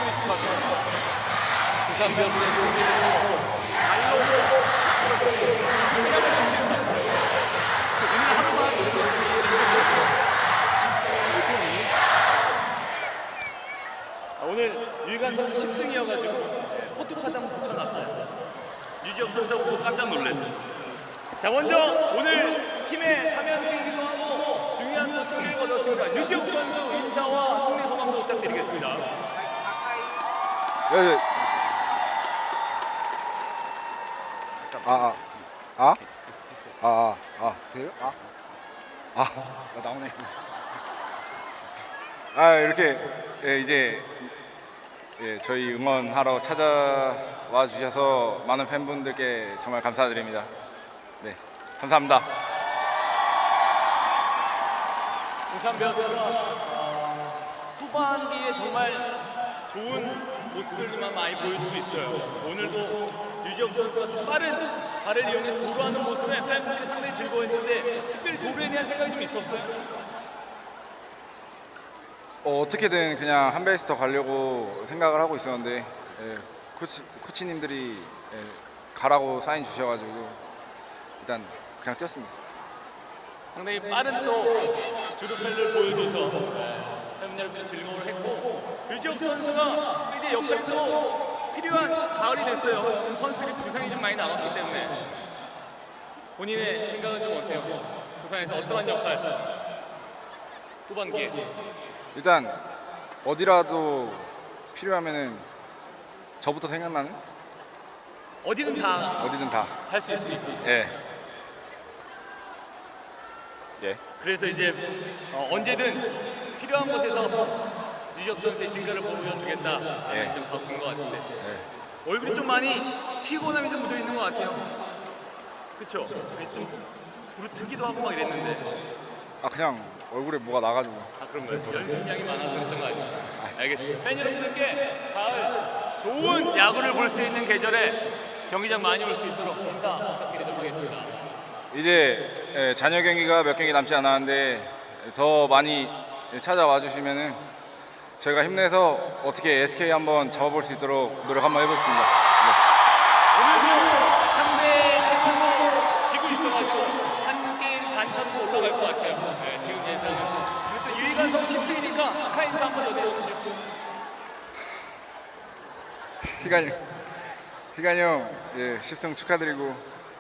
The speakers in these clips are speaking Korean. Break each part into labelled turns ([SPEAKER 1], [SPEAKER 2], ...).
[SPEAKER 1] 충분히 축하합니다. 두산 베어스의 승리를 발로 끌어줬습니다. 동작을 정지를 했어요. 오늘 하루만 이렇게 오늘 유희관 선수 10승이어가지고 포토카드 한번 붙여놨어요. 유지혁 선수 보고 깜짝 놀랐어요. 자, 먼저 오늘 팀의 3연승이기도 하고 중요한 또 승리를 거뒀습니다. 유지혁 선수 인사와 승리 소감도 부탁드리겠습니다.
[SPEAKER 2] 네. 돼요? 나오네. 이렇게 이제 저희 응원하러 찾아와 주셔서 많은 팬분들께 정말 감사드립니다. 네, 감사합니다.
[SPEAKER 1] 두산 베어스가 후반기에 정말 좋은 모습들만 많이 보여주고 있어요. 오늘도 유지혁 선수가 좀 빠른 발을 이용해서 도루하는 모습에 팬분들이 상당히 즐거워했는데 특별히 도루에 대한 생각이 좀 있었어요.
[SPEAKER 2] 어떻게든 그냥 한 베이스 더 가려고 생각을 하고 있었는데 코치님들이 가라고 사인 주셔가지고 일단 그냥 뛰었습니다.
[SPEAKER 1] 상당히 빠른 또 주루펠을 보여줘서 팬 여러분들 즐거움을 했고 유지혁 선수가 또 이제 역할이 또 필요한 가을이 됐어요. 지금 선수들이 부상이 좀 많이 남았기 때문에 본인의 생각은 좀 어때요? 두산에서 어떠한 역할 후반기에?
[SPEAKER 2] 일단 어디라도 필요하면은 저부터 생각나는
[SPEAKER 1] 어디든 다
[SPEAKER 2] 어디든 다.
[SPEAKER 1] 할 수 있으니까.
[SPEAKER 2] 예.
[SPEAKER 1] 그래서 이제 언제든 필요한 곳에서 유지혁 선수의 진가를 보여주겠다 좀 바꾼 것 같은데 얼굴이 좀 많이 피곤함이 좀 묻어 있는 것 같아요. 그렇죠? 좀 부르트기도 하고 막 이랬는데
[SPEAKER 2] 그냥 얼굴에 뭐가 나가지고.
[SPEAKER 1] 그런 거예요? 연습량이 많아서 그랬던 거 아니에요? 알겠습니다. 팬 여러분들께 가을 좋은 야구를 볼 수 있는 계절에 경기장 많이 올 수 있도록 인사 부탁드리도록 하겠습니다.
[SPEAKER 2] 이제 잔여 경기가 몇 경기 남지 않았는데 더 많이 찾아와 주시면은 저희가 힘내서 어떻게 SK 한번 잡아볼 수 있도록 노력 한번 해보겠습니다.
[SPEAKER 1] 오늘도 상대 팀으로 지고 있어가지고 한 게임 반차로 올라갈 것 같아요. 지금 예상은. 그리고 또 유희관 선수 10승이니까 축하 인사 한번 전해주시죠.
[SPEAKER 2] 희관이 형 10승 축하드리고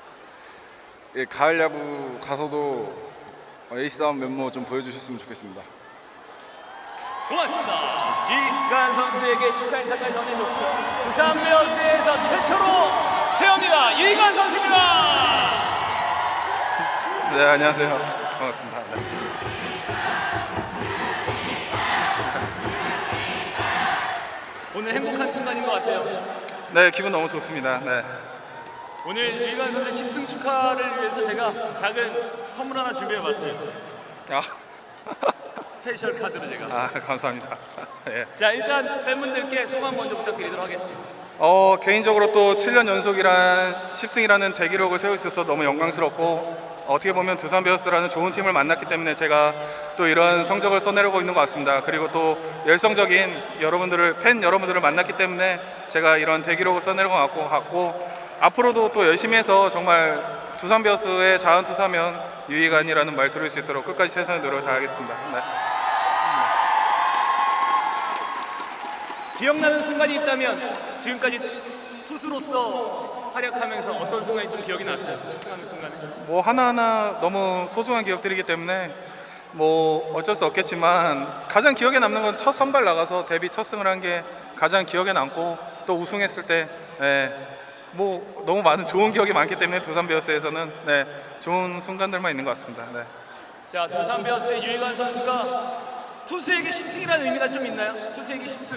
[SPEAKER 2] 가을 야구 가서도 에이스다운 면모 좀 보여주셨으면 좋겠습니다.
[SPEAKER 1] 고맙습니다. 유희관 선수에게 축하 인사까지 전해줬고 두산 베어스에서 최초로 세웁니다. 유희관 선수입니다.
[SPEAKER 2] 네, 안녕하세요. 반갑습니다.
[SPEAKER 1] 오늘 행복한 순간인 것 같아요.
[SPEAKER 2] 네, 기분 너무 좋습니다. 네.
[SPEAKER 1] 오늘 유희관 선수 10승 축하를 위해서 제가 작은 선물 하나 준비해봤어요. 스페셜 카드로 제가.
[SPEAKER 2] 감사합니다. 예.
[SPEAKER 1] 자, 일단 팬분들께 소감 먼저 부탁드리도록 하겠습니다.
[SPEAKER 2] 개인적으로 또 7년 연속이란 10승이라는 대기록을 세울 수 있어서 너무 영광스럽고 어떻게 보면 두산 베어스라는 좋은 팀을 만났기 때문에 제가 또 이런 성적을 써내려고 있는 것 같습니다. 그리고 또 열성적인 팬 여러분들을 만났기 때문에 제가 이런 대기록을 써내려고 같고 앞으로도 또 열심히 해서 정말 두산 베어스의 자원투사면 유희관이라는 말 들을 수 있도록 끝까지 최선의 노력을 다하겠습니다. 네.
[SPEAKER 1] 기억나는 순간이 있다면 지금까지 투수로서 활약하면서 어떤 순간이 좀 기억이 났어요? 10승하는 순간에?
[SPEAKER 2] 뭐 하나하나 너무 소중한 기억들이기 때문에 뭐 어쩔 수 없겠지만 가장 기억에 남는 건 첫 선발 나가서 데뷔 첫 승을 한 게 가장 기억에 남고 또 우승했을 때 뭐 너무 많은 좋은 기억이 많기 때문에 두산 베어스에서는 좋은 순간들만 있는 것 같습니다. 네.
[SPEAKER 1] 자, 두산 베어스의 유희관 선수가 투수에게 10승이라는 의미가 좀 있나요? 투수에게 10승.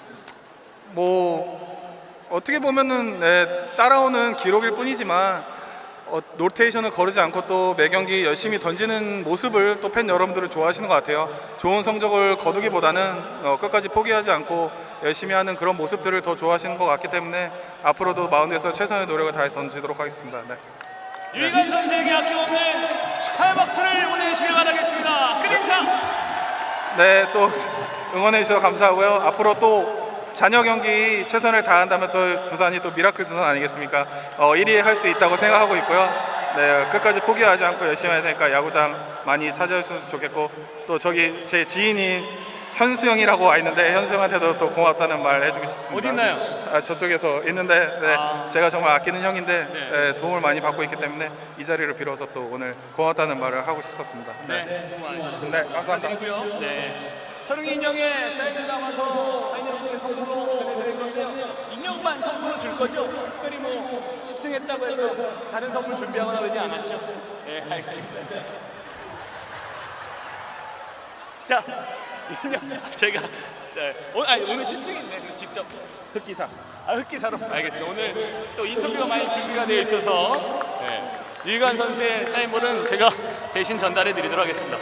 [SPEAKER 2] 뭐 어떻게 보면은 따라오는 기록일 뿐이지만 로테이션을 거르지 않고 또 매 경기 열심히 던지는 모습을 또 팬 여러분들은 좋아하시는 것 같아요. 좋은 성적을 거두기보다는 끝까지 포기하지 않고 열심히 하는 그런 모습들을 더 좋아하시는 것 같기 때문에 앞으로도 마운드에서 최선의 노력을 다해 던지도록 하겠습니다. 네.
[SPEAKER 1] 유희관 선수에게 아낌없는 축하의 박수를 보내주시길 바라겠습니다. 끝인사.
[SPEAKER 2] 네, 또 응원해 주셔서 감사하고요. 앞으로 또 잔여 경기 최선을 다한다면 또 두산이 또 미라클 두산 아니겠습니까? 1위 할 수 있다고 생각하고 있고요. 네, 끝까지 포기하지 않고 열심히 할 테니까 야구장 많이 찾아주셨으면 좋겠고, 또 저기 제 지인인 현수 형이라고 와 있는데 현수 형한테도 또 고맙다는 말 해주고 싶습니다.
[SPEAKER 1] 어디 있나요?
[SPEAKER 2] 저쪽에서 있는데 네, 제가 정말 아끼는 형인데 네, 도움을 많이 받고 있기 때문에 이 자리를 빌어서 또 오늘 고맙다는 말을 하고 싶었습니다.
[SPEAKER 1] 네, 수고 많으셨습니다.
[SPEAKER 2] 네, 감사합니다.
[SPEAKER 1] 축하드리고요. 네. 철웅이 인형의 사인을 담아서 파이널의 선수로 전해드릴 건데요. 인형만 선수로 줄 거죠? 특별히 뭐 10승했다고 해서 다른 선물 준비하거나 그러지 않았죠? 네, 알겠습니다. 자, 인형 제가 네, 오늘 10승인데 직접 흑기사. 흑기사로 알겠습니다. 오늘 또 인터뷰가 많이 준비가 되어 있어서 네, 유희관 선수의 사인볼은 제가 대신 전달해 드리도록 하겠습니다.